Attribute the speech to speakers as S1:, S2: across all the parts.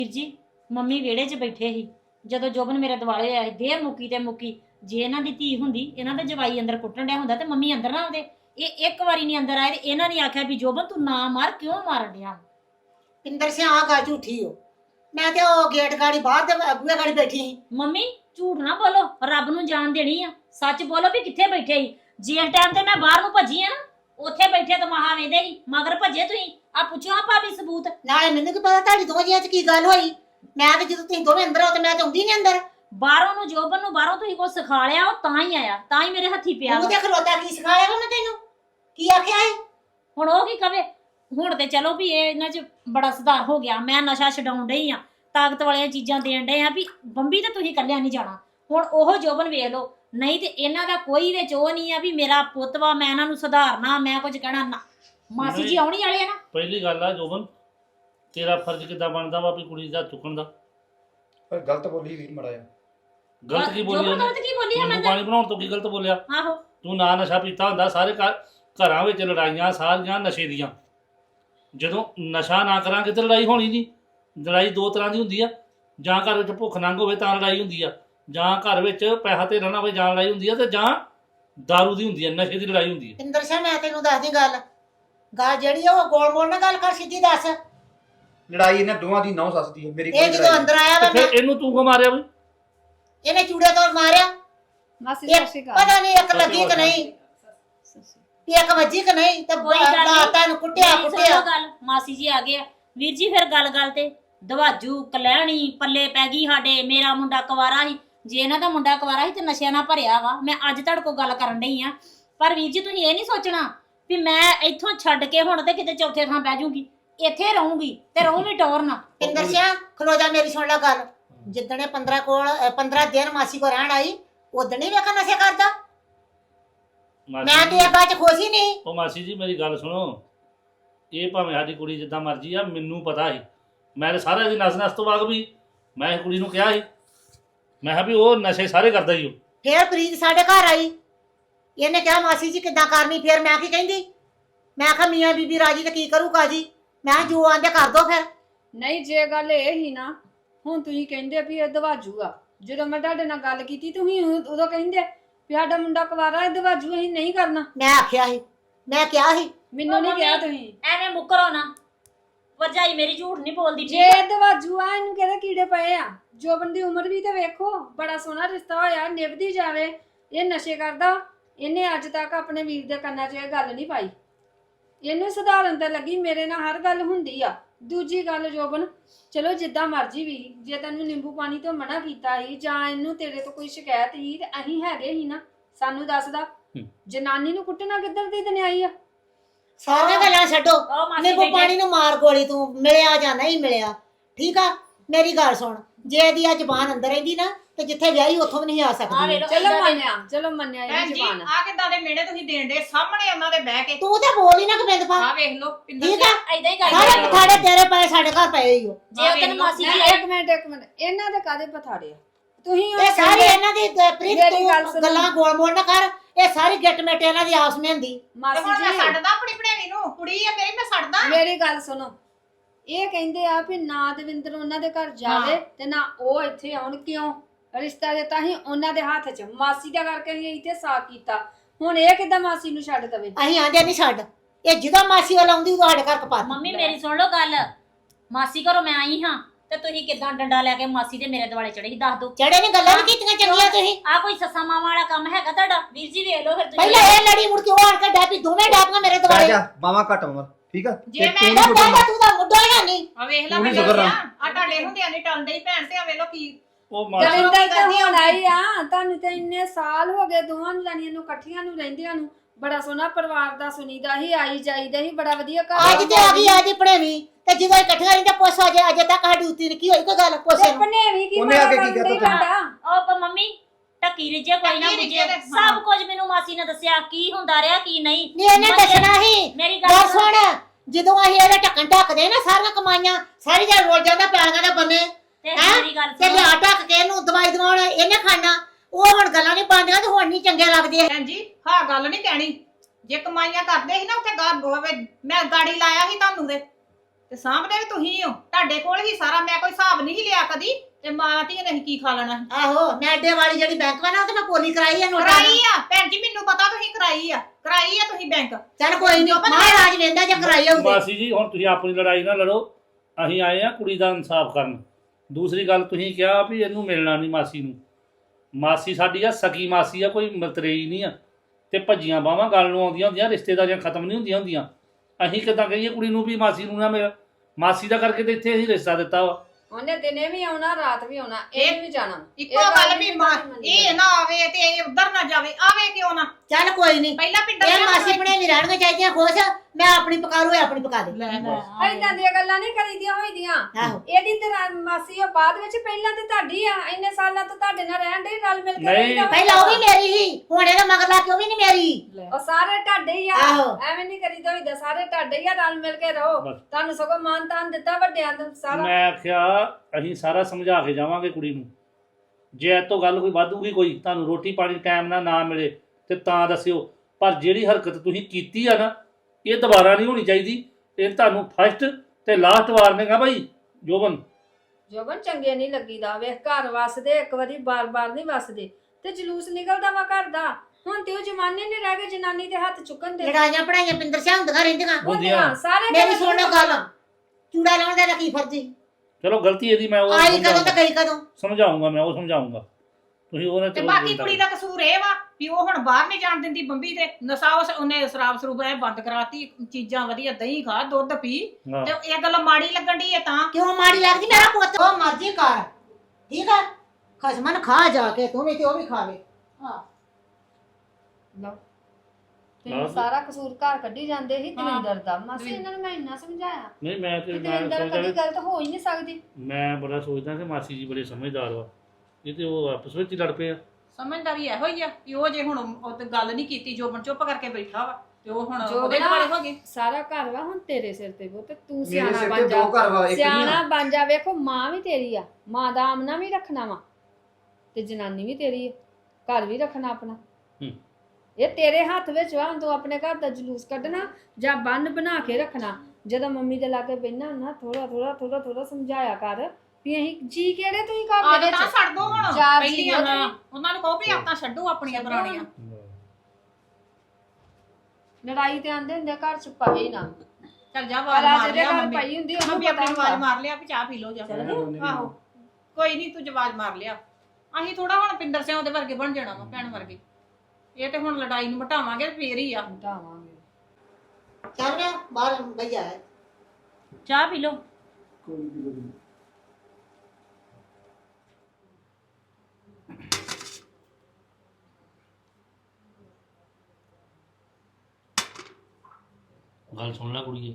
S1: ਵੀਰ ਜੀ ਮੰਮੀ ਵਿਹੜੇ 'ਚ ਬੈਠੇ ਸੀ ਜਦੋਂ ਜੋਬਨ ਮੇਰੇ ਦੁਆਲੇ ਆਏ ਦੇਰ ਮੁੱਕੀ ਤੇ ਮੁੱਕੀ। ਜੇ ਇਹਨਾਂ ਦੀ ਧੀ ਹੁੰਦੀ ਇਹਨਾਂ ਦਾ ਜਵਾਈ ਅੰਦਰ ਕੁੱਟਣ ਡਿਆ ਹੁੰਦਾ ਤੇ ਮੰਮੀ ਅੰਦਰ ਨਾ ਆਉਂਦੇ। ਇਹ ਇੱਕ ਵਾਰੀ ਨਹੀਂ ਅੰਦਰ ਆਏ ਤੇ ਇਹਨਾਂ ਨੇ ਆਖਿਆ ਵੀ ਜੋਬਨ ਤੂੰ ਨਾ ਮਾਰ, ਕਿਉਂ ਮਾਰਨ ਡਿਆ?
S2: ਪਿੰਦਰ ਸਿੰਘ ਆ ਗਾ ਝੂਠੀ ਹੋ। ਮੈਂ ਤੇ ਉਹ ਗੇਟ ਗਾੜੀ ਬਾਹਰ ਦੇ ਬੂਹੇ ਗਾੜੀ ਬੈਠੀ ਸੀ।
S1: ਮੰਮੀ ਝੂਠ ਨਾ ਬੋਲੋ, ਰੱਬ ਨੂੰ ਜਾਣ ਦੇਣੀ ਆ। ਸੱਚ ਬੋਲੋ ਵੀ ਕਿੱਥੇ ਬੈਠੇ ਸੀ। ਜਿਸ ਟਾਈਮ ਤੇ ਮੈਂ ਬਾਹਰ ਨੂੰ ਭੱਜੀ ਆ ਨਾ ਉੱਥੇ ਬੈਠੇ ਤਮਾਹਾ ਵੇਂਦੇ ਸੀ, ਮਗਰ ਭੱਜੇ ਤੁਸੀਂ। ਆ ਪੁੱਛੋ ਹਾਂ ਭਾਬੀ ਸਬੂਤ।
S2: ਨਾਲੇ ਮੈਨੂੰ ਕੀ ਪਤਾ ਤੁਹਾਡੀ ਦੋਵਾਂ ਜੀਆਂ 'ਚ ਕੀ ਗੱਲ ਹੋਈ। ਮੈਂ ਤੇ ਜਦੋਂ ਤੁਸੀਂ ਦੋਵੇਂ ਅੰਦਰ ਹੋ ਤੇ ਮੈਂ ਤੇ ਆਉਂਦੀ ਨਹੀਂ ਅੰਦਰ।
S1: ਬਾਹਰੋਂ ਨੂੰ ਜੋਬਨ ਨੂੰ ਬਾਹਰੋਂ ਤੁਸੀਂ ਕੁਝ ਸਿਖਾ ਲਿਆ, ਉਹ ਤਾਂ ਹੀ ਆਇਆ, ਤਾਂ ਹੀ ਮੇਰੇ ਹੱਥੀ ਪਿਆ
S2: ਤੂੰ
S1: ਵਾ।
S2: ਤੇ ਖਲੋਤਾ ਕੀ ਸਿਖਾਇਆ ਵਾ ਮੈਂ ਤੈਨੂੰ? ਕੀ ਆਖਿਆ ਹੈ?
S1: ਹੁਣ ਉਹ ਕੀ ਕਵੇ? ਹੁਣ ਤੇ ਚਲੋ ਵੀ ਇਹ ਇਹਨਾਂ 'ਚ ਬੜਾ ਸੁਧਾਰ ਹੋ ਗਿਆ। ਮੈਂ ਨਸ਼ਾ ਛਡਾਉਣ ਡਈ ਆ, ਤਾਕਤ ਵਾਲੀਆਂ ਚੀਜ਼ਾਂ ਦੇਣ ਡਏ ਆ ਵੀ ਬੰਬੀ ਤੇ ਤੁਸੀਂ ਇਕੱਲਿਆਂ ਨਹੀਂ ਜਾਣਾ। ਹੁਣ ਉਹ ਜੋਬਨ ਵੇਖ ਲਓ, ਨਹੀਂ ਤੇ ਇਹਨਾਂ ਦਾ ਕੋਈ ਵਿੱਚ ਉਹ ਨਹੀਂ ਆ ਵੀ ਮੇਰਾ ਪੁੱਤ ਵਾ ਮੈਂ ਇਹਨਾਂ ਨੂੰ ਸੁਧਾਰਨਾ, ਮੈਂ ਕੁਝ ਕਹਿਣਾ ਨਾ। ਮਾਸੀ ਜੀ ਆਉਣੀ ਵਾਲੇ ਆ ਨਾ।
S3: ਪਹਿਲੀ ਗੱਲ ਆ ਜੋਬਨ, ਤੇਰਾ ਫਰਜ਼ ਕਿੱਦਾਂ ਬਣਦਾ ਵਾ ਵੀ ਕੁੜੀ ਦਾ ਚੁੱਕਣ ਦਾ?
S4: ਪਰ ਗਲਤ ਬੋਲੀ ਵੀਰ ਮੜਾ ਜਾ।
S3: ਗਲਤ ਕੀ ਬੋਲੀ?
S1: ਗਲਤ ਕੀ ਬੋਲੀ ਆ ਮੈਂ
S3: ਮੈਨੂੰ ਪਾਣੀ ਬਣਾਉਣ ਤੋਂ ਕੀ ਗਲਤ ਬੋਲਿਆ?
S1: ਆਹੋ
S3: ਤੂੰ ਨਾ ਨਸ਼ਾ ਪੀਤਾ ਹੁੰਦਾ। ਸਾਰੇ ਘਰਾਂ ਵਿੱਚ ਲੜਾਈਆਂ ਸਾਰੀਆਂ ਨਸ਼ੇ ਦੀਆਂ। ਜਦੋਂ ਨਸ਼ਾ ਨਾ ਕਰਾਂਗੇ ਤੇ ਲੜਾਈ ਹੋਣੀ ਨਹੀਂ। ਲੜਾਈ ਦੋ ਤਰ੍ਹਾਂ ਦੀ ਹੁੰਦੀ ਆ, ਜਾਂ ਘਰ ਵਿੱਚ ਭੁੱਖ ਨੰਗ ਹੋਵੇ ਤਾਂ ਲੜਾਈ ਹੁੰਦੀ ਆ, ਜਾਂ ਘਰ ਵਿੱਚ ਪੈਸਾ ਤੇ ਰਹਿਣਾ ਹੋਵੇ ਜਾਂ ਲੜਾਈ ਹੁੰਦੀ ਆ, ਤੇ ਜਾਂ ਦਾਰੂ ਦੀ ਹੁੰਦੀ ਆ, ਨਸ਼ੇ ਦੀ ਲੜਾਈ ਹੁੰਦੀ ਆ।
S2: ਪਿੰਦਰ ਸਿੰਘ ਮੈਂ ਤੈਨੂੰ ਦੱਸਦੀ ਗੱਲ ਜਿਹੜੀ ਆ ਉਹ ਗੋਲ ਮੋਲ ਨਾਲ ਗੱਲ ਕਰ, ਸਿੱਧੀ ਦੱਸ।
S4: ਲੜਾਈ ਇਹਨਾਂ ਦੋਵਾਂ ਦੀ ਨੌ ਸੱਸ ਦੀ ਹੈ। ਮੇਰੀ
S2: ਇਹ ਜਦੋਂ
S4: ਲੜਾਈ
S2: ਅੰਦਰ ਆਇਆ ਵਾ
S3: ਤੇ ਫਿਰ ਇਹਨੂੰ ਤੂੰ ਕਿਉਂ ਮਾਰਿਆ ਬਈ?
S2: ਇਹਨੇ ਚੂੜੇ ਤੋਂ ਮਾਰਿਆ।
S5: ਮਾਸੀ
S2: ਇਹ
S5: ਸਤਿ ਸ਼੍ਰੀ ਅਕਾਲ।
S2: ਪਤਾ ਨਹੀਂ ਇੱਕ ਲੱਗੀ ਕਿ ਨਹੀਂ, ਵੀ ਇੱਕ ਵੱਜੀ ਕਿ ਨਹੀਂ, ਤੇ
S1: ਕੋਈ ਗੱਲ ਨੀ।
S2: ਦਾਤਾਂ ਨੂੰ ਕੁੱਟਿਆ
S1: ਮੇਰੀ ਸੁਣੋ
S2: ਕੁੱਟਿਆ।
S1: ਗੱਲ, ਮਾਸੀ ਜੀ ਆ ਗਏ ਆ। ਵੀਰ ਜੀ ਫਿਰ ਗੱਲ ਤੇ ਦਵਾਜੂ ਕਲਹਿਣੀ ਪੱਲੇ ਪੈ ਗਈ ਸਾਡੇ। ਮੇਰਾ ਮੁੰਡਾ ਕੁਵਾਰਾ ਸੀ, ਜੇ ਇਹਨਾਂ ਦਾ ਮੁੰਡਾ ਕੁਵਾਰਾ ਸੀ ਤੇ ਨਸ਼ਿਆਂ ਨਾਲ ਭਰਿਆ ਵਾ। ਮੈਂ ਅੱਜ ਤੁਹਾਡੇ ਕੋਲ ਗੱਲ ਕਰਨ ਡਈ ਆ, ਪਰ ਵੀਰ ਜੀ ਤੁਸੀਂ ਇਹ ਨਹੀਂ ਸੋਚਣਾ ਵੀ ਮੈਂ ਇੱਥੋਂ ਛੱਡ ਕੇ ਹੁਣ ਤੇ ਕਿਤੇ ਚੌਥੇ ਥਾਂ ਬਹਿ ਜੂਗੀ। ਇੱਥੇ ਰਹੂੰਗੀ ਤੇ ਰਹੂੰ ਵੀ ਟੌਰ ਨਾ।
S2: ਪਿੰਦਰ ਸਿੰਘ ਖਲੋ ਜਾ, ਮੇਰੀ ਸੁਣ ਲੈ ਗੱਲ। ਜਿੱਦਣੇ 15 ਦਿਨ ਮਾਸੀ ਕੋ ਰਹਿਣ ਆਈ ਉਦਣੇ ਵੇਖਾ ਨਸ਼ੇ ਕਰਦਾ। ਮੈਂ ਤੇ
S3: ਮਾਸੀ
S2: ਇਹ ਬਾਤ 'ਚ ਖੁਸ਼ ਹੀ ਨਹੀਂ।
S3: ਉਹ ਮਾਸੀ ਜੀ ਮੇਰੀ ਗੱਲ ਸੁਣੋ, ਇਹ ਭਾਵੇਂ ਸਾਡੀ ਕੁੜੀ ਜਿੱਦਾਂ ਮਰਜ਼ੀ ਆ, ਮੈਨੂੰ ਪਤਾ ਸੀ। ਮੈਂ ਤਾਂ ਸਾਰਾ ਦੀ ਨਸ ਤੋਂ ਵਾਕਫ ਵੀ। ਮੈਂ ਕੁੜੀ ਨੂੰ ਕਿਹਾ ਸੀ, ਮੈਂ ਕਿਹਾ ਵੀ ਉਹ ਨਸ਼ੇ ਸਾਰੇ ਕਰਦਾ ਹੀ ਉਹ।
S2: ਫੇਰ ਪ੍ਰੀਤ ਸਾਡੇ ਘਰ ਆਈ, ਇਹਨੇ ਕਿਹਾ ਮਾਸੀ ਜੀ ਕਿੱਦਾਂ ਕਰਨੀ। ਫੇਰ ਮੈਂ ਕੀ ਕਹਿੰਦੀ? ਮੈਂ ਆਖਿਆ ਮੀਆਂ ਬੀਬੀ ਰਾਜੀ ਤੇ ਕੀ ਕਰੂ ਕਾਜੀ। ਮੈਂ ਕਿਹਾ ਜੋ ਆਂਦੇ ਕਰ ਦੋ ਫਿਰ।
S5: ਨਹੀਂ ਜੇ ਗੱਲ ਇਹ ਹੀ ਨਾ, ਹੁਣ ਤੁਸੀਂ ਕਹਿੰਦੇ ਵੀ ਇਹ ਦਵਾਜੂ ਆ। ਜਦੋਂ ਮੈਂ ਤੁਹਾਡੇ ਨਾਲ ਗੱਲ ਕੀਤੀ ਤੁਸੀਂ ਉਦੋਂ ਕਹਿੰਦੇ ਵੀ ਸਾਡਾ ਮੁੰਡਾ ਕੁਵਾਰਾ, ਇਹ ਦਵਾਜੂ ਅਸੀਂ ਨਹੀਂ ਕਰਨਾ।
S2: ਮੈਂ ਆਖਿਆ ਸੀ, ਮੈਂ ਕਿਹਾ ਸੀ।
S5: ਮੈਨੂੰ ਨਹੀਂ ਕਿਹਾ ਤੁਸੀਂ।
S1: ਐਵੇਂ ਮੁੱਕਰੋ ਨਾ, ਵਰਜਾਈ ਮੇਰੀ ਝੂਠ ਨਹੀਂ ਬੋਲਦੀ।
S5: ਜੇ ਇਹ ਦਵਾਜੂ ਆ, ਇਹਨੂੰ ਕਿਹੜੇ ਕੀੜੇ ਪਏ ਆ? ਜੋਬਨ ਦੀ ਉਮਰ ਵੀ ਤੇ ਵੇਖੋ, ਬੜਾ ਸੋਹਣਾ ਰਿਸ਼ਤਾ ਹੋਇਆ, ਨਿਭਦੀ ਜਾਵੇ। ਇਹ ਨਸ਼ੇ ਕਰਦਾ। ਇਹਨੇ ਅੱਜ ਤੱਕ ਆਪਣੇ ਵੀਰ ਦੇ ਕੰਨਾਂ 'ਚ ਇਹ ਗੱਲ ਨਹੀਂ ਪਾਈ। ਇਹਨੂੰ ਸੁਧਾਰਨ ਤੇ ਲੱਗੀ। ਮੇਰੇ ਨਾਲ ਹਰ ਗੱਲ ਹੁੰਦੀ ਆ। ਦੂਜੀ ਗੱਲ ਜੋਬਨ, ਚਲੋ ਜਿੱਦਾਂ ਮਰਜ਼ੀ ਵੀ, ਜੇ ਤੈਨੂੰ ਨਿੰਬੂ ਪਾਣੀ ਤੋਂ ਮਨਾ ਕੀਤਾ ਸੀ ਜਾਂ ਇਹਨੂੰ ਤੇਰੇ ਤੋਂ ਕੋਈ ਸ਼ਿਕਾਇਤ ਸੀ ਤੇ ਅਸੀਂ ਹੈਗੇ ਹੀ ਨਾ, ਸਾਨੂੰ ਦੱਸਦਾ। ਜਨਾਨੀ ਨੂੰ ਕੁੱਟਣਾ ਕਿੱਧਰ ਦੀ ਦੁਨਿਆਈ ਆ?
S2: ਸਾਰੀਆਂ ਗੱਲਾਂ ਛੱਡੋ।
S1: ਉਹ ਮਾਸੀ
S2: ਨਿੰਬੂ
S1: ਬੈਠੇ।
S2: ਪਾਣੀ ਨੂੰ ਮਾਰ ਗੋਲੀ, ਤੂੰ ਮਿਲਿਆ ਜਾਂ ਨਹੀਂ ਮਿਲਿਆ। ਠੀਕ ਆ, ਮੇਰੀ ਗੱਲ ਸੁਣ। ਜੇ ਇਹਦੀ ਆ ਜ਼ਬਾਨ ਅੰਦਰ ਰਹਿੰਦੀ ਨਾ ਤੇ ਜਿੱਥੇ ਵਿਆਹੀ ਉੱਥੋਂ ਵੀ ਨਹੀਂ ਆ
S1: ਆ
S2: ਸਕਦੀ।
S1: ਵੇਖ ਲਓ
S5: ਚਲੋ
S1: ਏਦਾਂ ਦੇ-
S5: ਮੰਨਿਆ, ਚਲੋ ਮੰਨਿਆ
S6: ਭੈਣ
S5: ਇਹ
S6: ਜੀ
S5: ਜ਼ਬਾਨ।
S6: ਆ ਕਿੱਦਾਂ ਦੇ ਮਿਹਣੇ ਤੁਸੀਂ ਦੇਣ ਦੇ ਸਾਹਮਣੇ ਉਹਨਾਂ ਦੇ ਬਹਿ ਕੇ।
S2: ਤੂੰ ਤੇ ਬੋਲ ਹੀ ਨਾ ਕਮਿੰਦ ਪਾ।
S6: ਆ ਵੇਖ ਲਓ ਪਿੰਦਰ
S2: ਠੀਕ ਆ,
S1: ਏਦਾਂ ਹੀ
S2: ਸਾਰੇ
S1: ਕਰਦੇ ਆ।
S2: ਪਥਾੜੇ ਤੇਰੇ ਪਏ, ਸਾਡੇ ਘਰ ਪਏ ਹੀ ਹੋ।
S1: ਜੇ ਉਹ ਤੈਨੂੰ ਮਾਸੀ ਜੀ
S5: ਇੱਕ ਮਿੰਟ ਇਹਨਾਂ ਦੇ ਕਾਦੇ ਪਥਾੜੇ ਆ? ਤੁਸੀਂ ਉਹ
S2: ਇਹ ਸਾਰੀ
S5: ਕਹਿੰਦੇ-
S2: ਇਹਨਾਂ ਦੀ ਪ੍ਰੀਤ
S5: ਮੇਰੀ ਗੱਲ
S2: ਤੂੰ
S5: ਸੁਣੋ।
S2: ਗੱਲਾਂ ਗੋਲ ਮੋਲ ਨਾ ਕਰ। ਇਹ ਸਾਰੀ ਗਿੱਟ ਮਿੱਟ ਇਹਨਾਂ ਦੀ ਆਪਸ ਵਿੱਚ ਹੁੰਦੀ।
S6: ਤੇ
S5: ਮਾਸੀ
S6: ਹੁਣ ਮੈਂ
S5: ਜੀ
S6: ਛੱਡਦਾ ਆਪਣੀ ਭਣੇਵੀ ਨੂੰ? ਕੁੜੀ ਆ ਮੇਰੀ, ਮੈਂ ਛੱਡਦਾ?
S5: ਮੇਰੀ ਗੱਲ ਸੁਣੋ। ਇਹ ਕਹਿੰਦੇ ਆ ਵੀ ਨਾ ਦਵਿੰਦਰ ਉਹਨਾਂ ਦੇ ਘਰ ਜਾਵੇ ਤੇ ਨਾ ਉਹ ਇੱਥੇ ਆਉਣ। ਕਿਉਂ? ਰਿਸ਼ਤਾ ਦਿੱਤਾ ਸੀ ਉਹਨਾਂ ਦੇ ਹੱਥ 'ਚ, ਮਾਸੀ ਦਾ ਕਰਕੇ ਅਸੀਂ ਇੱਥੇ ਸਾਥ ਕੀਤਾ। ਹੁਣ ਇਹ ਕਿੱਦਾਂ ਮਾਸੀ ਨੂੰ ਛੱਡ ਦਵੇ?
S2: ਅਸੀਂ ਆਂਦੇ ਨਹੀਂ ਛੱਡ। ਇਹ ਜਦੋਂ ਮਾਸੀ ਵਾਲ ਆਉਂਦੀ ਉਦੋਂ ਸਾਡੇ ਘਰ ਕਪਾ।
S1: ਮੰਮੀ ਮੇਰੀ ਸੁਣ ਲਓ ਗੱਲ। ਮਾਸੀ ਘਰੋਂ ਮੈਂ ਆਈ ਹਾਂ ਤੇ ਤੁਸੀਂ ਕਿਦਾਂ ਡੰਡਾ ਲੈ ਕੇ ਮਾਸੀ ਦੇ ਮੇਰੇ ਦੁਆਲੇ ਚੜੇ ਸੀ, ਦੱਸ ਦੋ।
S2: ਚੜੇ ਨੇ ਗੱਲਾਂ ਨਹੀਂ ਕੀਤੀਆਂ ਚੰਗੀਆਂ ਤੁਸੀਂ।
S1: ਆ ਕੋਈ ਸੱਸਾ ਮਾਵਾਂ ਵਾਲਾ ਕੰਮ ਹੈਗਾ ਤੁਹਾਡਾ? ਵੀਰ ਜੀ ਵੇਖ ਲਓ ਫਿਰ ਤੁਸੀਂ।
S2: ਪਹਿਲਾਂ ਇਹ ਲੜੀ ਮੁੜ ਕੇ ਉਹ ਆਣ ਕੇ ਡੈਪੀ ਦੋਵੇਂ ਡਾਪੀਆਂ ਮੇਰੇ
S4: ਬਹਿ
S2: ਦੁਆਲੇ।
S4: ਜਾ, ਮਾਵਾ ਘੱਟ ਉਮਰ। ਠੀਕ ਆ,
S6: ਜੇ
S4: ਤੇ
S6: ਮੈਂ
S4: ਤੂੰ ਨੀ
S2: ਉਹ
S4: ਕੁੱਟਣਾ।
S2: ਕਹਿੰਦਾ ਤੂੰ ਤਾਂ ਮੁੱਢਾ ਹੀ ਨਹੀਂ।
S6: ਆ ਵੇਖ ਲੈ
S4: ਤੂੰ ਨੀ
S6: ਮੈਂ
S4: ਸ਼ੁਕਰ
S6: ਆ
S4: ਨਾ।
S6: ਤੁਹਾਡੇ ਹੁੰਦਿਆਂ ਨਹੀਂ ਟਲਦੇ ਹੀ ਭੈਣ ਤੇ। ਆ ਵੇਖ ਲਓ ਕੀ
S3: ਉਹ ਮਾਸੀ
S5: ਦਵਿੰਦਰ ਤਾਂ
S6: ਕਰਦੀ
S5: ਹੁਣ ਆਈ ਆ। ਤੁਹਾਨੂੰ ਤੇ ਇੰਨੇ ਸਾਲ ਹੋ ਗਏ ਦੋਵਾਂ ਨੂੰ ਜਾਣੀਆਂ ਨੂੰ, ਇਕੱਠੀਆਂ ਨੂੰ, ਰਹਿੰਦਿਆਂ ਨੂੰ। ਬੜਾ ਸੋਹਣਾ ਪਰਿਵਾਰ ਦਾ ਸੁਣੀਦਾ ਸੀ, ਆਈ ਜਾਈਦਾ ਸੀ, ਬੜਾ ਵਧੀਆ ਘਰ।
S2: ਅੱਜ ਤੇ ਆ ਗਈ ਆਦੀ ਭਣੇਵੀਂ ਤੇ ਜਦੋਂ ਇਕੱਠੀਆਂ ਰਹਿੰਦੇ ਪੁੱਛ ਅਜੇ ਤੱਕ ਸਾਡੀ ਉੱਤੀ ਨਹੀਂ ਕੀ ਹੋਈ ਕੋਈ ਗੱਲ ਪੁੱਛੇ ਨੂੰ।
S5: ਭਨੇਵੀਂ ਕੀ
S4: ਉਹਨੇ ਆ ਕੇ ਕੀ
S5: ਮਾੜਾ
S4: ਕਹਿਤਾ
S5: ਕਰਦਾ ਹੀ
S4: ਤੈਨੂੰ?
S5: ਵੱਡਾ।
S1: ਉਹ ਮੰਮੀ ਟੱਕੀ ਰਿਜੇ ਕੋਈ ਨਾ
S6: ਟੱਕੀ
S1: ਬੁਝੇ।
S6: ਰਿੱਝੇ ਤੇ
S1: ਸਭ ਕੁਝ ਮੈਨੂੰ ਮਾਸੀ ਨੇ ਦੱਸਿਆ ਕੀ ਹੁੰਦਾ ਰਿਹਾ ਕੀ ਨਹੀਂ।
S2: ਨਹੀਂ ਇਹਨੇ ਦੱਸਣਾ ਹੀ।
S1: ਮੇਰੀ
S2: ਗੱਲ
S1: ਗੱਲ
S2: ਸੁਣ, ਜਦੋਂ ਅਸੀਂ ਇਹਦਾ ਢੱਕਣ ਢੱਕਦੇ ਨਾ ਸਾਰੀਆਂ ਕਮਾਈਆਂ ਸਾਰੀ ਦਿਨ ਰੋਲ ਜਾਂਦਾ ਪੈਲੀਆਂ ਦੇ ਬੰਨੇ
S1: ਤੇ
S2: ਹੈਂ?
S1: ਮੇਰੀ ਗੱਲ
S2: ਤੇ
S1: ਸੁਣ।
S2: ਲਿਆ ਢੱਕ ਕੇ ਇਹਨੂੰ ਦਵਾਈ ਦਵਾਉਣ ਇਹਨੇ ਖਾਣਾ। ਉਹ ਹੁਣ ਗੱਲਾਂ ਨਹੀਂ ਪਾਉਂਦੀਆਂ ਤੇ ਹੁਣ ਨਹੀਂ ਚੰਗੇ ਲੱਗਦੇ।
S6: ਭੈਣ ਜੀ ਹਾਂ ਗੱਲ ਨਹੀਂ ਕਹਿਣੀ। ਜੇ ਕਮਾਈਆਂ ਕਰਦੇ ਸੀ ਨਾ ਉੱਥੇ ਮੈਂ ਗਾੜੀ ਲਾਇਆ ਸੀ ਤੁਹਾਨੂੰ ਦੇ ਤੇ ਸਾਹਮਣੇ ਵੀ ਤੁਸੀਂ ਹੋ, ਤੁਹਾਡੇ ਕੋਲ ਹੀ ਸਾਰਾ, ਮੈਂ ਕੋਈ ਹਿਸਾਬ ਨਹੀਂ ਲਿਆ ਕਦੀ, ਤੇ ਮਾਂ ਧੀ ਨੇ ਕੀ ਖਾ ਲੈਣਾ।
S2: ਆਹੋ ਮੈਂ ਅੱਡੇ ਵਾਲੀ ਜਿਹੜੀ ਬੈਂਕ ਵਾ ਨਾ ਉਹ ਤੇ ਮੈਂ ਪੋਲੀ ਕਰਾਈ ਆ ਨੋਟਾਂ
S6: ਕਰਾਈ
S2: ਦੀ।
S6: ਆ ਭੈਣ ਜੀ, ਮੈਨੂੰ ਪਤਾ ਤੁਸੀਂ ਕਰਾਈ ਆ ਤੁਸੀਂ ਬੈਂਕ।
S2: ਚੱਲ ਕੋਈ ਨਹੀਂ ਮਹਾਰਾਜ ਵੇਂਦਾ ਜੇ ਕਰਾਈ ਹੋਊਗੀ।
S3: ਮਾਸੀ ਜੀ ਹੁਣ ਤੁਸੀਂ ਆਪਣੀ ਲੜਾਈ ਨਾ ਲੜੋ, ਅਸੀਂ ਆਏ ਆ ਕੁੜੀ ਦਾ ਇਨਸਾਫ ਕਰਨ। ਦੂਸਰੀ ਗੱਲ ਤੁਸੀਂ ਕਿਹਾ ਵੀ ਇਹਨੂੰ ਮਿਲਣਾ ਨਹੀਂ ਮਾਸੀ ਨੂੰ। ਮਾਸੀ ਸਾਡੀ ਆ ਸਕੀ ਮਾਸੀ ਆ, ਕੋਈ ਮਤਰੇਈ ਨਹੀਂ ਆ। ਤੇ ਭੱਜੀਆਂ ਬਾਹਾਂ ਗੱਲ ਨੂੰ ਆਉਂਦੀਆਂ ਹੁੰਦੀਆਂ, ਰਿਸ਼ਤੇਦਾਰੀਆਂ ਖਤਮ ਨਹੀਂ ਹੁੰਦੀਆਂ। ਅਸੀਂ ਕਿੱਦਾਂ ਕਹੀਏ ਕੁੜੀ ਨੂੰ ਵੀ ਮਾਸੀ ਨੂੰ ਨਾ ਮਿਲ। ਮਾਸੀ ਦਾ ਕਰਕੇ ਤੇ ਇੱਥੇ ਅਸੀਂ ਰਿਸ਼ਤਾ ਦਿੱਤਾ ਵਾ।
S5: ਉਹਨੇ ਦਿਨੇ ਵੀ ਆਉਣਾ ਰਾਤ ਵੀ ਆਉਣਾ, ਇਹ ਵੀ ਜਾਣਾ।
S6: ਇੱਕੋ ਗੱਲ ਵੀ ਇਹ ਨਾ ਆਵੇ ਤੇ ਇਹ ਉਧਰ ਨਾ ਜਾਵੇ, ਆਵੇ ਕਿਉਂ ਨਾ।
S2: ਚੱਲ ਕੋਈ ਨਹੀਂ
S6: ਪਹਿਲਾਂ ਪਿੰਡਾਂ
S2: ਇਹ ਮਾਸੀ ਬਣੇਵੀਂ ਰਹਿਣਗੇ ਚਾਹੀਦੀਆਂ ਖੁਸ਼। ਮੈਂ ਆਪਣੀ ਪਕਾ ਲੂ ਆਪਣੀ ਪਕਾ ਦੇ।
S5: ਏਦਾਂ ਦੀਆਂ ਗੱਲਾਂ ਨਹੀਂ ਕਰੀਦੀਆਂ ਹੋਈਆਂ।
S2: ਆਹੋ
S5: ਇਹਦੀ ਤੇ ਮਾਸੀ ਉਹ ਬਾਅਦ ਵਿੱਚ, ਪਹਿਲਾਂ ਤੇ ਤੁਹਾਡੀ ਆ, ਇੰਨੇ ਸਾਲਾਂ ਤੋਂ ਤੁਹਾਡੇ ਨਾਲ ਰਹਿਣ ਦੇ, ਰਲ ਮਿਲ ਕੇ
S3: ਨਹੀਂ।
S5: ਰਹੀਦਾ।
S2: ਪਹਿਲਾਂ ਉਹ ਵੀ ਮੇਰੀ ਸੀ, ਹੁਣ ਇਹਦਾ ਮਗਰ ਲਾ ਕੇ ਉਹ ਵੀ ਨਹੀਂ ਮੇਰੀ।
S5: ਉਹ ਸਾਰੇ ਤੁਹਾਡੇ ਹੀ ਆ,
S2: ਆਹੋ।
S5: ਐਵੇਂ ਨਹੀਂ ਕਰੀਦਾ ਹੋਈਦਾ, ਸਾਰੇ ਤੁਹਾਡੇ ਹੀ ਆ, ਰਲ ਮਿਲ ਕੇ ਰਹੋ।
S3: ਬਸ।
S5: ਤੁਹਾਨੂੰ ਸਗੋਂ ਮਾਨ ਤਾਨ ਦਿੱਤਾ ਵੱਡਿਆਂ ਨੂੰ ਸਾਰਾ।
S3: ਮੈਂ ਆਖਿਆ ਅਸੀਂ ਸਾਰਾ ਸਮਝਾ ਕੇ ਜਾਵਾਂਗੇ ਕੁੜੀ ਨੂੰ। ਜੇ ਇਹ ਤੋਂ ਗੱਲ ਕੋਈ ਵਾਧੂਗੀ, ਕੋਈ ਤੁਹਾਨੂੰ ਰੋਟੀ ਪਾਣੀ ਟਾਈਮ ਨਾਲ ਨਾ ਮਿਲੇ ਤੇ ਤਾਂ ਦੱਸਿਓ। ਪਰ ਜਿਹੜੀ ਹਰਕਤ ਤੁਸੀਂ ਕੀਤੀ ਆ ਨਾ, ਇਹ ਦੁਬਾਰਾ ਨਹੀਂ ਹੋਣੀ ਚਾਹੀਦੀ। ਇਹ ਤੁਹਾਨੂੰ ਫਸਟ ਤੇ ਲਾਸਟ ਵਾਰਨਿੰਗ ਆ ਭਾਈ ਜੋਬਨ।
S5: ਜੋਬਨ ਚੰਗੇ ਨਹੀਂ ਲੱਗੀਦਾ। ਵੇਖ ਘਰ ਵਸਦੇ ਇੱਕ ਵਾਰੀ, ਬਾਰ-ਬਾਰ ਨਹੀਂ ਵਸਦੇ ਤੇ ਜਲੂਸ ਨਿਕਲਦਾ ਵਾ ਘਰ ਦਾ। ਹੁਣ ਤੇ ਉਹ ਜ਼ਮਾਨੇ ਨਹੀਂ ਰਹਿ ਗਏ ਜਨਾਨੀ ਦੇ ਹੱਥ ਚੁੱਕਣ ਦੇ।
S2: ਲੜਾਈਆਂ ਪੜਾਈਆਂ ਪਿੰਦਰ ਸਿਆ ਹੁੰਦੀਆਂ ਰਹਿੰਦੀਆਂ।
S5: ਹੁੰਦੀਆਂ ਸਾਰੇ।
S2: ਮੇਰੀ ਸੁਣ ਲਓ ਗੱਲ, ਚੂੜਾ ਲਾਉਣ ਦਾ ਕੀ ਫਰਜ਼ੀ?
S3: ਚਲੋ ਗਲਤੀ ਇਹਦੀ ਮੈਂ ਉਹ
S2: ਆਈ ਕਦੋਂ ਤੇ ਗਈ ਕਦੋਂ?
S3: ਸਮਝਾਉਂਗਾ, ਮੈਂ ਉਹ ਸਮਝਾਉਂਗਾ। ਤੁਸੀਂ ਉਹਨੇ
S6: ਤੇ ਬਾਕੀ ਕੁੜੀ ਦਾ ਕਸੂਰ ਇਹ ਵਾ ਵੀ ਉਹ ਹੁਣ ਬਾਹਰ ਨਹੀਂ ਜਾਣ ਦਿੰਦੀ ਬੰਬੀ ਤੇ ਨਸ਼ਾ ਉਹਨੇ ਸ਼ਰਾਬ ਸਰੂਬ ਐ ਬੰਦ ਕਰਾਤੀ। ਚੀਜ਼ਾਂ ਵਧੀਆ, ਦਹੀਂ ਖਾ, ਦੁੱਧ ਪੀ।
S3: ਹਾਂ।
S6: ਤੇ ਇਹ ਗੱਲ ਮਾੜੀ ਲੱਗਣ ਦੀ ਹੈ ਤਾਂ।
S2: ਕਿਉਂ ਮਾੜੀ ਲੱਗਦੀ? ਮੇਰਾ ਪੁੱਤ ਉਹ ਮਰਜ਼ੀ ਕਰ, ਠੀਕ ਆ? ਖਸਮਨ ਖਾ ਜਾ ਕੇ ਤੂੰ ਵੀ ਤੇ ਉਹ ਵੀ ਖਾਵੇ। ਹਾਂ
S5: ਤੇ ਸਾਰਾ ਕਸੂਰ ਘਰ ਕੱਢੀ ਜਾਂਦੇ ਸੀ ਦਵਿੰਦਰ ਦਾ। ਮਾਸੀ ਇਹਨਾਂ ਨੂੰ ਮੈਂ ਇੰਨਾ ਸਮਝਾਇਆ
S3: ਨਹੀਂ ਮੈਂ ਤੇ
S5: ਕਿ
S3: ਮੈਂ
S5: ਦਵਿੰਦਰ ਕਦੀ
S3: ਸੋਚਦਾ,
S5: ਗਲਤ ਹੋ ਹੀ ਨਹੀਂ ਸਕਦੀ।
S3: ਮੈਂ ਬੜਾ ਸੋਚਦਾ ਕਿ ਮਾਸੀ ਜੀ ਬੜੇ ਸਮਝਦਾਰ ਵਾ। ਇਹ ਤੇ ਉਹ ਆਪਸ ਵਿੱਚ ਹੀ ਲੜ ਪਏ ਆ।
S6: ਸਮਝਦਾਰੀ ਇਹੋ ਹੀ ਆ ਕਿ ਉਹ ਜੇ ਹੁਣ ਉਹ ਤੇ ਗੱਲ ਨਹੀਂ ਕੀਤੀ, ਜੋਬਨ ਚੁੱਪ ਕਰਕੇ ਬੈਠਾ ਵਾ ਤੇ ਉਹ ਹੁਣ
S5: ਜੋਬਨ
S6: ਉਹਦੇ ਦੁਆਲੇ ਹੋ ਗਏ।
S5: ਸਾਰਾ ਘਰ ਵਾ ਹੁਣ ਤੇਰੇ ਸਿਰ ਤੇ, ਉਹ ਤੇ ਤੂੰ
S4: ਮੇਰੇ
S5: ਸਿਆਣਾ
S4: ਸਿਰ
S5: ਬਣ
S4: ਤੇ
S5: ਜਾ।
S4: ਦੋ ਘਰ ਵਾ, ਇੱਕ ਨਹੀਂ
S5: ਸਿਆਣਾ
S4: ਆ।
S5: ਬਣ ਜਾ। ਵੇਖੋ ਮਾਂ ਵੀ ਤੇਰੀ ਆ, ਮਾਂ ਦਾ ਆਮਨਾ ਵੀ ਰੱਖਣਾ ਵਾ ਤੇ ਜਨਾਨੀ ਵੀ ਤੇਰੀ ਆ, ਘਰ ਵੀ ਰੱਖਣਾ ਆਪਣਾ। ਇਹ ਤੇਰੇ ਹੱਥ ਵਿੱਚ ਵਾ। ਤੂੰ ਆਪਣੇ ਘਰ ਦਾ ਜਲੂਸ ਕੱਢਣਾ ਜਾਂ ਬੰਨ ਬਣਾ ਕੇ ਰੱਖਣਾ। ਜਦੋਂ ਮੰਮੀ ਦੇ ਲਾਗੇ ਬੈਠਣਾ ਨਾ, ਥੋੜਾ ਸਮਝਾਇਆ ਕਰ ਵੀ ਅਸੀਂ ਜੀ ਕਿਹੜੇ ਤੁਸੀਂ ਘਰ ਦੇ
S6: ਆਦਤਾਂ
S5: ਵਿੱਚ
S6: ਛੱਡ ਦੋ ਹੁਣ
S5: ਚਾਰ
S6: ਪਹਿਲੀ
S5: ਜੀਆਂ
S6: ਉਹਨਾਂ ਨੂੰ ਕਹੋ ਵੀ ਆਦਤਾਂ ਛੱਡੋ ਆਪਣੀਆਂ ਪੁਰਾਣੀਆਂ।
S5: ਲੜਾਈ ਤੇ ਆਂਦੇ ਹੁੰਦੇ ਘਰ ਚ ਪਵੇ ਨਾ।
S6: ਚੱਲ ਜਾ
S5: ਪਰ
S6: ਆਵਾਜ਼
S5: ਆ
S6: ਮਾਰ
S5: ਜਿਹੜੇ
S6: ਲਿਆ
S5: ਘਰ
S6: ਮੰਮੀ।
S5: ਪਈ ਹੁੰਦੀ ਉਹਨੂੰ
S6: ਮੰਮੀ
S5: ਪਤਾ
S6: ਆਪਣੀ ਆਵਾਜ਼
S5: ਹੁੰਦਾ।
S6: ਮਾਰ ਲਿਆ ਵੀ ਚਾਹ ਪੀ ਲਓ ਜਾ।
S4: ਦੋਨੇ ਵੀ
S6: ਆਹੋ ਕੋਈ ਨਹੀਂ, ਤੂੰ ਆਵਾਜ਼ ਮਾਰ ਲਿਆ। ਅਸੀਂ ਥੋੜਾ ਹੁਣ ਪਿੰਦਰ ਸਿੰਘ ਉਹਦੇ ਵਰਗੇ ਬਣ ਜਾਣਾ ਵਾ, ਭੈਣ ਵਰਗੇ। ਇਹ ਤੇ ਹੁਣ ਲੜਾਈ ਨੂੰ ਮਟਾਵਾਂਗੇ ਫੇਰ ਹੀ ਆ।
S5: ਹਟਾਵਾਂਗੇ।
S2: ਚੱਲ ਮੈਂ ਬਾਹਰ ਬਈਆ
S1: ਚਾਹ ਪੀ ਲਓ।
S3: ਗੱਲ ਸੁਣ ਲੈ ਕੁੜੀਏ,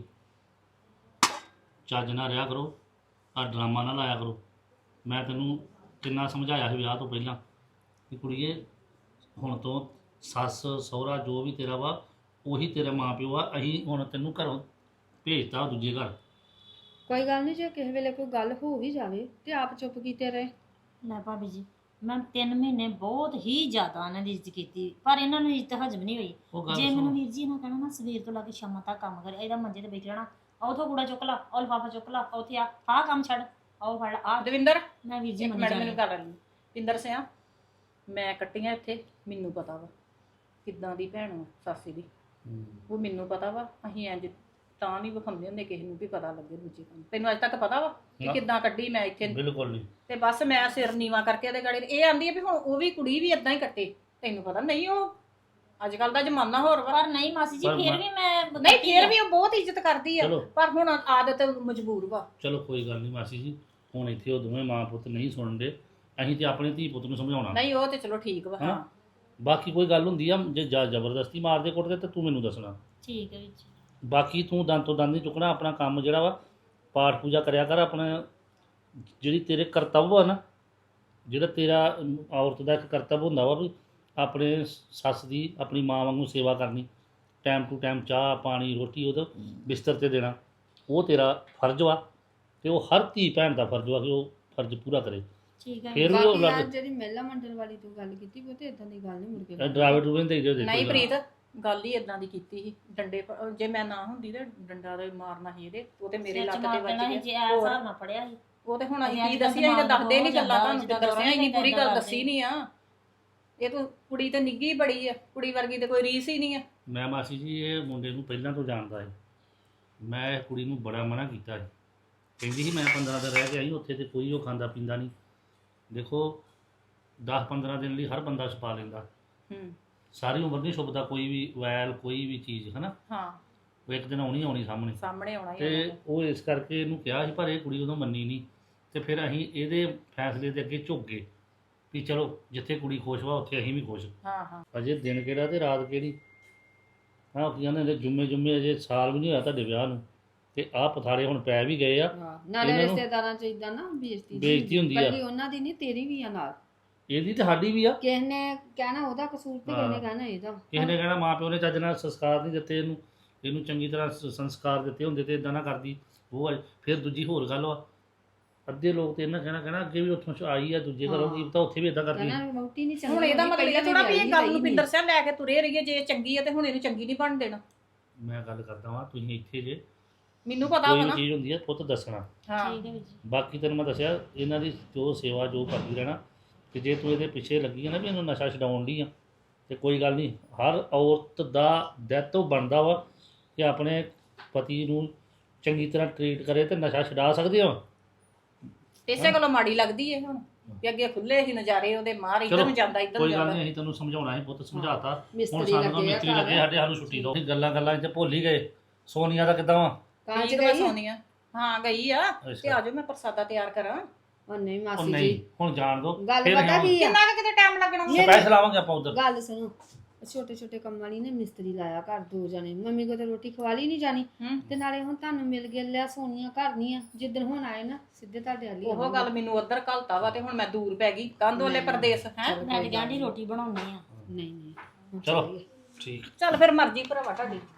S3: ਚੱਜ ਨਾਲ ਰਿਹਾ ਕਰੋ, ਆ ਡਰਾਮਾ ਨਾ ਲਾਇਆ ਕਰੋ। ਮੈਂ ਤੈਨੂੰ ਕਿੰਨਾ ਸਮਝਾਇਆ ਸੀ ਵਿਆਹ ਤੋਂ ਪਹਿਲਾਂ ਕਿ ਕੁੜੀਏ ਹੁਣ ਤੋਂ ਸੱਸ ਸਹੁਰਾ ਜੋ ਵੀ ਤੇਰਾ ਵਾ ਉਹੀ ਤੇਰਾ ਮਾਂ ਪਿਓ ਆ। ਅਸੀਂ ਹੁਣ ਤੈਨੂੰ ਘਰੋਂ ਭੇਜਤਾ ਦੂਜੇ ਘਰ।
S5: ਕੋਈ ਗੱਲ ਨਹੀਂ, ਜੇ ਕਿਸੇ ਵੇਲੇ ਕੋਈ ਗੱਲ ਹੋ ਵੀ ਜਾਵੇ ਤੇ ਆਪ ਚੁੱਪ ਕੀਤੇ ਰਹੇ।
S1: ਲੈ ਭਾਬੀ ਜੀ, ਮੈਂ 3 ਮਹੀਨੇ ਬਹੁਤ ਹੀ ਜ਼ਿਆਦਾ ਇਹਨਾਂ ਦੀ ਇੱਜ਼ਤ ਕੀਤੀ, ਪਰ ਇਹਨਾਂ ਨੂੰ ਇੱਜ਼ਤ ਹਜਮ ਨਹੀਂ ਹੋਈ।
S3: ਉਹ ਗੱਲ
S1: ਜੇ ਮੈਨੂੰ
S3: ਸੁਣ,
S1: ਵੀਰ ਜੀ ਨਾ ਕਹਿਣਾ ਨਾ ਸਵੇਰ ਤੋਂ ਲਾ ਕੇ ਸ਼ਾਮਾਂ ਤੱਕ ਕੰਮ ਕਰੇ, ਇਹਦਾ ਮੰਜੇ ਤੇ ਬੈਠ ਰਹਿਣਾ, ਉਥੋਂ ਕੂੜਾ ਚੁੱਕ ਲਾ, ਉਹ ਲਿਫਾਫਾ ਚੁੱਕ ਲਾ, ਉੱਥੇ ਆਹ ਕੰਮ ਛੱਡ, ਆਹ ਫੜ ਆ।
S6: ਦਵਿੰਦਰ
S1: ਮੈਂ ਵੀਰ ਜੀ
S6: ਇੱਕ
S1: ਮੰਨੀ
S6: ਮਿੰਟ
S1: ਜਾਣੀ।
S6: ਮੈਨੂੰ ਕਰ ਲੈਣ। ਪਿੰਦਰ ਸਿਆ ਮੈਂ ਕੱਟੀਆਂ ਇੱਥੇ, ਮੈਨੂੰ ਪਤਾ ਵਾ ਕਿੱਦਾਂ ਦੀ ਭੈਣ ਵਾ ਸਾਸੀ ਦੀ, ਉਹ ਮੈਨੂੰ ਪਤਾ ਵਾ। ਅਸੀਂ ਇੰਜ ਤਾਂ ਨਹੀਂ ਵਿਖਾਉਂਦੇ ਹੁੰਦੇ ਕਿਸੇ ਨੂੰ ਵੀ ਪਤਾ ਲੱਗੇ ਦੂਜੇ ਕੰਮ। ਤੈਨੂੰ ਅੱਜ ਤੱਕ ਪਤਾ ਵਾ ਕਿ
S3: ਨਾ।
S6: ਕਿੱਦਾਂ ਕੱਢੀ ਮੈਂ ਇੱਥੇ।
S3: ਬਿਲਕੁਲ ਨਹੀਂ।
S6: ਤੇ ਬਸ ਮੈਂ ਸਿਰ ਨੀਵਾ ਕਰਕੇ ਇਹਦੇ ਗਾੜੀ ਇਹ ਆਂਦੀ ਹੈ ਵੀ ਹੁਣ ਉਹ ਵੀ ਕੁੜੀ ਵੀ ਇਦਾਂ ਹੀ ਕੱਟੇ। ਤੈਨੂੰ ਪਤਾ ਨਹੀਂ, ਉਹ ਅੱਜ ਕੱਲ ਦਾ ਜ਼ਮਾਨਾ ਹੋਰ ਵਾ।
S1: ਪਰ ਨਹੀਂ ਮਾਸੀ ਜੀ,
S3: ਪਰ
S1: ਫੇਰ
S3: ਮੈਂ-
S1: ਵੀ ਮੈਂ
S6: ਨਹੀਂ ਫੇਰ ਵੀ ਉਹ ਬਹੁਤ ਇੱਜ਼ਤ ਕਰਦੀ ਆ,
S3: ਚਲੋ
S6: ਪਰ ਹੁਣ ਆਦਤ ਮਜਬੂਰ ਵਾ।
S3: ਚਲੋ ਕੋਈ ਗੱਲ ਨਹੀਂ ਮਾਸੀ ਜੀ, ਹੁਣ ਇੱਥੇ ਉਹ ਦੋਵੇਂ ਮਾਂ ਪੁੱਤ ਨਹੀਂ ਸੁਣਦੇ। ਅਸੀਂ ਤੇ ਆਪਣੇ ਧੀ ਪੁੱਤ ਨੂੰ ਸਮਝਾਉਣਾ।
S6: ਨਹੀਂ ਉਹ ਤੇ ਚਲੋ ਠੀਕ ਵਾ। ਹਾਂ
S3: ਬਾਕੀ ਕੋਈ ਗੱਲ ਹੁੰਦੀ ਆ, ਜੇ ਜ਼ਬਰਦਸਤੀ ਮਾਰਦੇ ਕੁੱਟਦੇ ਤਾਂ ਤੂੰ ਮੈਨੂੰ ਦੱਸਣਾ।
S1: ਠੀਕ ਹੈ ਵੀਰ ਜੀ।
S3: ਬਾਕੀ ਤੂੰ ਦੰਦ ਤੋਂ ਦੰਦ ਨਹੀਂ ਚੁੱਕਣਾ। ਆਪਣਾ ਕੰਮ ਜਿਹੜਾ ਵਾ ਪਾਠ ਪੂਜਾ ਕਰਿਆ ਕਰ। ਆਪਣਾ ਜਿਹੜੀ ਤੇਰੇ ਕਰਤੱਵ ਆ ਨਾ, ਜਿਹੜਾ ਤੇਰਾ ਔਰਤ ਦਾ ਇੱਕ ਕਰਤੱਵ ਹੁੰਦਾ ਵਾ ਵੀ ਆਪਣੇ ਸੱਸ ਦੀ ਆਪਣੀ ਮਾਂ ਵਾਂਗੂ ਸੇਵਾ ਕਰਨੀ, ਟਾਈਮ ਟੂ ਟਾਈਮ ਚਾਹ ਪਾਣੀ ਰੋਟੀ ਉਹਦੇ ਬਿਸਤਰ ਤੇ ਦੇਣਾ, ਉਹ ਤੇਰਾ ਫਰਜ਼ ਵਾ। ਤੇ ਉਹ ਹਰ ਧੀ ਭੈਣ ਦਾ ਫਰਜ਼ ਵਾ ਕਿ ਉਹ ਫਰਜ਼ ਪੂਰਾ ਕਰੇ।
S1: ਠੀਕ ਹੈ
S3: ਫਿਰ ਵੀ ਉਹ
S5: ਬਾਕੀ ਯਾਰ
S3: ਲੱਗ
S5: ਜਿਹੜੀ ਮਹਿਲਾ ਮੰਡਲ ਵਾਲੀ ਤੂੰ ਗੱਲ ਕੀਤੀ ਉਹ ਤੇ ਇਦਾਂ ਦੀ ਗੱਲ ਨਹੀਂ ਮੁੜ ਕੇ
S3: ਡਰਾਵੇ ਡਰੂਵੇ ਦੇ ਜੋ
S6: ਨਹੀਂ ਪ੍ਰੀਤ, ਗੱਲ ਹੀ ਇਦਾਂ ਦੀ ਕੀਤੀ ਸੀ ਡੰਡੇ ਜੇ ਮੈਂ ਨਾ ਹੁੰਦੀ ਤੇ ਡੰਡਾ ਦੇ ਮਾਰਨਾ ਸੀ ਇਹਦੇ, ਉਹ ਤੇ ਮੇਰੇ
S1: ਸਿਰ
S6: ਲੱਤ
S1: ਚ
S6: ਤੇ
S1: ਮਾਰ
S6: ਵੱਜ
S1: ਦੇਣਾ ਸੀ
S6: ਗਿਆ
S1: ਜੇ ਆ ਹਿਸਾਬ ਨਾਲ ਫੜਿਆ ਸੀ।
S6: ਉਹ ਤੇ ਹੁਣ ਅਸੀਂ
S1: ਅਸੀਂ
S6: ਕੀ
S1: ਅੱਜ ਕੱਲ੍ਹ
S6: ਦੱਸੀਏ, ਅਸੀਂ ਤਾਂ
S1: ਦਿਮਾਗ
S6: ਦੱਸਦੇ ਨਹੀਂ
S1: ਹੋ
S6: ਗੱਲਾਂ,
S1: ਜਾਂਦਾ,
S6: ਤੁਹਾਨੂੰ
S1: ਜਿੱਦਾਂ
S6: ਦੱਸਿਆ ਹੀ ਨਹੀਂ, ਪੂਰੀ ਗੱਲ
S1: ਕਰਦੇ।
S6: ਦੱਸੀ ਨਹੀਂ ਆ। ਇਹ ਤਾਂ ਕੁੜੀ ਤੇ ਨਿੱਗੀ ਬੜੀ ਆ, ਕੁੜੀ ਵਰਗੀ ਤੇ ਕੋਈ ਰੀਸ ਹੀ ਨਹੀਂ ਆ।
S3: ਮੈਂ ਮਾਸੀ ਜੀ ਇਹ ਮੁੰਡੇ ਨੂੰ ਪਹਿਲਾਂ ਤੋਂ ਜਾਣਦਾ ਹੈ। ਮੈਂ ਇਹ ਕੁੜੀ ਨੂੰ ਬੜਾ ਮਨਾ ਕੀਤਾ ਸੀ, ਕਹਿੰਦੀ ਸੀ ਮੈਂ 15 ਦਿਨ ਰਹਿ ਕੇ ਆਈ ਉੱਥੇ ਤੇ ਕੋਈ ਉਹ ਖਾਂਦਾ ਪੀਂਦਾ ਨਹੀਂ। ਦੇਖੋ 10-15 ਦਿਨ ਲਈ ਹਰ ਬੰਦਾ ਛਪਾ ਲੈਂਦਾ,
S6: ਹੂੰ
S3: ਸਾਰੀ ਉਮਰ ਨਹੀਂ ਛੁਪਦਾ ਕੋਈ ਵੀ ਵੈਲ ਕੋਈ ਵੀ ਚੀਜ਼ ਹੈ ਨਾ,
S6: ਹਾਂ
S3: ਉਹ ਇੱਕ ਦਿਨ ਆਉਣੀ ਸਾਹਮਣੇ।
S6: ਸਾਹਮਣੇ ਆਉਣਾ ਹੀ
S3: ਤੇ
S6: ਆਉਣਾ।
S3: ਉਹ ਇਸ ਕਰਕੇ ਇਹਨੂੰ ਕਿਹਾ ਸੀ ਪਰ ਇਹ ਕੁੜੀ ਉਦੋਂ ਮੰਨੀ ਨਹੀਂ, ਤੇ ਫਿਰ ਅਸੀਂ ਇਹਦੇ ਫੈਸਲੇ ਦੇ ਅੱਗੇ ਝੁਕ ਗਏ ਵੀ ਚਲੋ ਜਿੱਥੇ ਕੁੜੀ ਖੁਸ਼ ਵਾ ਉੱਥੇ ਅਸੀਂ ਵੀ ਖੁਸ਼।
S6: ਹਾਂ ਹਾਂ
S3: ਅਜੇ ਦਿਨ ਕਿਹੜਾ ਤੇ ਰਾਤ ਕਿਹੜੀ। ਹਾਂ ਕੀ ਕਹਿੰਦੇ ਨੇ ਜੁੰਮੇ ਅਜੇ ਸਾਲ ਵੀ ਨਹੀਂ ਹੋਇਆ ਤੁਹਾਡੇ ਵਿਆਹ ਨੂੰ, ਤੇ ਆਹ ਪਥਾਰੇ ਹੁਣ ਪੈ ਵੀ ਗਏ ਆ।
S5: ਨਾਲੇ
S3: ਇਹਨਾਂ ਨੂੰ
S5: ਰਿਸ਼ਤੇਦਾਰਾਂ ਚ ਇਦਾਂ ਨਾ ਬੇਇੱਜ਼ਤੀ
S3: ਬੇਇੱਜ਼ਤੀ ਹੁੰਦੀ ਆ।
S5: ਕੱਲੀ ਉਹਨਾਂ ਦੀ ਨਹੀਂ, ਤੇਰੀ ਵੀ ਆ ਨਾਲ।
S3: ਇਹਦੀ ਤੇ ਸਾਡੀ ਵੀ ਆ।
S5: ਕਿਸੇ ਨੇ ਕਹਿਣਾ ਉਹਦਾ ਕਸੂਰ ਤੇ ਕਿਸੇ ਨੇ ਕਹਿਣਾ ਇਹਦਾ।
S3: ਕਿਸੇ ਨੇ ਕਹਿਣਾ ਮਾਂ ਪਿਓ ਨੇ ਚੱਜ ਨਾਲ ਸੰਸਕਾਰ ਨਹੀਂ ਦਿੱਤੇ ਇਹਨੂੰ ਚੰਗੀ ਤਰ੍ਹਾਂ ਸੰਸਕਾਰ ਦਿੱਤੇ ਹੁੰਦੇ ਤੇ ਇਦਾਂ ਨਾ ਕਰਦੀ। ਉਹ ਆ। ਫਿਰ ਦੂਜੀ ਹੋਰ ਗੱਲ ਵਾ, ਅੱਧੇ ਲੋਕ ਤੇ ਇਹਨਾਂ ਕਹਿਣਾ ਅੱਗੇ ਵੀ ਉੱਥੋਂ ਆਈ ਆ ਦੂਜੇ ਘਰੋਂ, ਕੀ ਪਤਾ ਉੱਥੇ ਵੀ ਇਦਾਂ ਕਰਦੀ।
S5: ਕਹਿਣਾ ਵਹੁਟੀ ਨਹੀਂ ਚੰਗੀ।
S6: ਹੁਣ ਇਹਦਾ ਮਤਲਬ ਇਹ
S5: ਪਹਿਲਾਂ
S6: ਥੋੜਾ ਵੀ ਇਹ
S5: ਵਿਆਹੀ
S6: ਗੱਲ ਨੂੰ
S5: ਨਹੀਂ।
S6: ਪਿੰਦਰ ਸਿੰਘ ਲੈ ਕੇ ਤੁਰੇ ਰਹੀਏ, ਜੇ ਇਹ ਚੰਗੀ ਹੈ ਤੇ ਹੁਣ ਇਹਨੂੰ ਚੰਗੀ ਨਹੀਂ ਬਣ ਦੇਣਾ।
S3: ਮੈਂ ਗੱਲ ਕਰਦਾ ਵਾਂ ਤੁਸੀਂ ਇੱਥੇ ਜੇ
S6: ਮੈਨੂੰ ਪਤਾ
S3: ਕੋਈ
S6: ਵਾ
S3: ਵੀ
S6: ਨਾ।
S3: ਚੀਜ਼ ਹੁੰਦੀ ਆ ਪੁੱਤ ਦੱਸਣਾ।
S6: ਹਾਂ
S1: ਠੀਕ ਹੈ ਵੀਰ ਜੀ।
S3: ਬਾਕੀ ਤੈਨੂੰ ਮੈਂ ਦੱਸਿਆ ਇਹਨਾਂ ਦੀ ਜੋ ਸੇਵਾ ਜੋ ਕਰਦੀ ਰਹਿਣਾ, ਕਿ ਜੇ ਤੂੰ ਇਹਦੇ ਪਿੱਛੇ ਲੱਗੀ ਆ ਨਾ ਵੀ ਇਹਨੂੰ ਨਸ਼ਾ ਛਡਾਉਣ ਲਈ ਆ, ਤੇ ਕੋਈ ਗੱਲ ਨਹੀਂ, ਹਰ ਔਰਤ ਦਾ ਦਾਇਤਵ ਬਣਦਾ ਵਾ ਕਿ ਆਪਣੇ ਪਤੀ ਨੂੰ ਚੰਗੀ ਤਰ੍ਹਾਂ ਟਰੀਟ ਕਰੇ ਤੇ ਨਸ਼ਾ ਛਡਾ ਸਕਦੇ ਆ।
S6: ਇਸੇ ਗੱਲੋਂ ਮਾੜੀ ਲੱਗਦੀ ਹੈ ਹੁਣ ਵੀ ਅੱਗੇ ਖੁੱਲੇ ਸੀ ਨਜ਼ਾਰੇ ਉਹਦੇ, ਮਾਰ ਇੱਧਰ ਨੂੰ ਜਾਂਦਾ ਇੱਧਰ ਨੂੰ
S3: ਕੋਈ ਗੱਲ
S6: ਜਾਂਦਾ।
S3: ਨਹੀਂ, ਅਸੀਂ ਤੈਨੂੰ ਸਮਝਾਉਣਾ ਸੀ ਪੁੱਤ, ਸਮਝਾਤਾ। ਹੁਣ
S5: ਮਿਸਤਰੀ
S3: ਸਾਨੂੰ ਤਾਂ
S5: ਲੱਗੇ ਆ
S3: ਮਿਸਤਰੀ ਲੱਗੇ
S5: ਘਰ।
S3: ਸਾਨੂੰ ਛੁੱਟੀ ਦਿਓ। ਗੱਲਾਂ 'ਚ ਭੁੱਲ ਹੀ ਗਏ। ਸੋਨੀਆ ਦਾ ਕਿੱਦਾਂ ਵਾ?
S5: ਕਾਂਚ
S6: ਠੀਕ ਵਾ
S5: ਗਈ
S6: ਸੋਨੀਆ? ਹਾਂ ਗਈ ਆ। ਤੇ ਆਜੋ ਮੈਂ ਪ੍ਰਸਾਦਾ ਤਿਆਰ ਕਰਾਂ।
S5: ਉਹ ਨਹੀਂ
S3: ਉਹ
S5: ਮਾਸੀ
S3: ਨਹੀਂ
S5: ਜੀ,
S3: ਹੁਣ ਜਾਣ ਦੋ,
S5: ਗੱਲ
S3: ਫਿਰ
S5: ਪਤਾ ਕੀ ਆ?
S6: ਕਿੰਨਾ ਕੁ ਕਿਤੇ ਟਾਈਮ ਲੱਗਣਾ ਵਾ?
S3: ਸਪੈਸ਼ਲ ਆਵਾਂਗੇ ਆਪਾਂ ਉਧਰ।
S5: ਗੱਲ ਸੁਣੋ, ਛੋਟੇ ਛੋਟੇ ਕੰਮਾਂ ਵਾਲੀ ਨੇ ਮਿਸਤਰੀ ਲਾਇਆ ਘਰ 2 ਜਣੇ। ਮੰਮੀ ਕੋ ਤੇ ਰੋਟੀ ਖਵਾ ਲਈ ਨਹੀਂ ਜਾਣੀ,
S6: ਹੂੰ।
S5: ਤੇ ਨਾਲੇ ਹੁਣ ਤੁਹਾਨੂੰ ਮਿਲ ਗਿਆ ਲਿਆ ਸੋਨੀਆ ਘਰ ਨਹੀਂ ਆ। ਜਿੱਦਣ ਹੁਣ ਆਏ ਨਾ ਸਿੱਧੇ ਤੁਹਾਡੇ ਵਾਲੀ
S6: ਉਹ ਗੱਲ ਮੈਨੂੰ ਉੱਧਰ ਘਲਤਾ ਵਾ ਤੇ ਹੁਣ ਮੈਂ ਦੂਰ ਪੈ ਗਈ ਕੰਧ ਵਾਲੇ ਪ੍ਰਦੇਸ਼ ਹੈ।
S1: ਮੈਂ ਤੇ ਕਹਿੰਦੀ ਰੋਟੀ ਬਣਾਉਣੀ ਆ।
S5: ਨਹੀਂ ਹੁਣ
S3: ਚਲੋ
S5: ਚੱਲੀਏ।
S3: ਠੀਕ।
S6: ਚੱਲ ਫਿਰ ਮਰਜ਼ੀ ਭਰਾਵਾ ਤੁਹਾਡੀ।